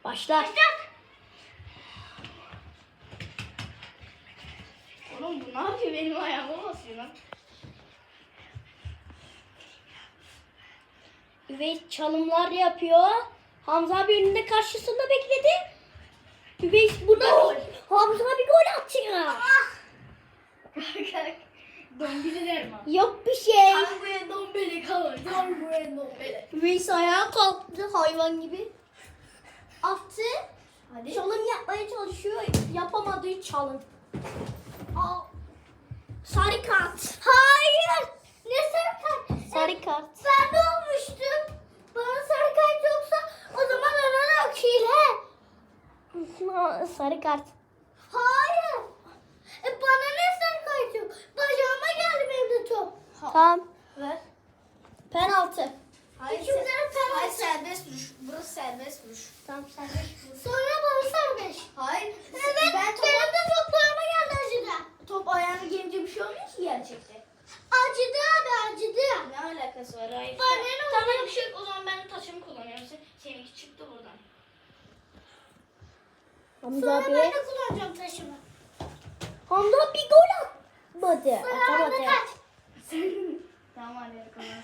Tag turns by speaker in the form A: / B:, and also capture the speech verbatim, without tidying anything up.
A: Başla.
B: Oğlum bu ne yapıyor? Benim ayağıma basıyor lan.
A: Üveys çalımlar yapıyor. Hamza abi önünde karşısında bekledi. Üveys buna Hamza bir gol atıyor.
B: Dombili derim ha.
A: Yok bir şey.
B: Tanguya dombili kalır. Tanguya dombili.
A: Üveys ayağa kalktı hayvan gibi. Attı.
B: Hadi.
A: Çalım yapmaya çalışıyor. Yapamadığı çalım. Aa. Sarı kart.
C: Hayır. Ne sarı kart?
A: Sarı kart.
C: Ben de olmuştum. Bana sarı kart yoksa o zaman ararak hile.
A: Sarı kart.
C: Hayır. E bana ne sarı kart yok? Bacağıma geldi benim de top.
A: Tamam.
B: Ver.
A: Penaltı.
B: Hayır,
C: İkimize de
B: Hayır
C: penaltı.
B: serbest vuruş. Burası serbest vuruş.
A: Tamam serbest vuruş.
C: Sonra bana serbest.
B: Hayır.
C: Evet.
B: Ben top,
C: Benim de toplarıma geldi acıdı.
B: top ayağına gelince bir şey olmuyor ki gerçekte.
C: Acıdı abi acıdı.
B: Ne alakası var? Hayır.
C: Bana ne
B: Tamam bir şey yok. O zaman ben taşımı kullanıyorum. Sen, seninki çıktı buradan.
A: Hamza
C: Sonra
A: abi.
C: ben de kullanacağım taşımı.
A: Hamza bir gol atmadı.
C: Sonra
A: Atamadı.
C: bana kaç.
B: Tamam hadi kullan.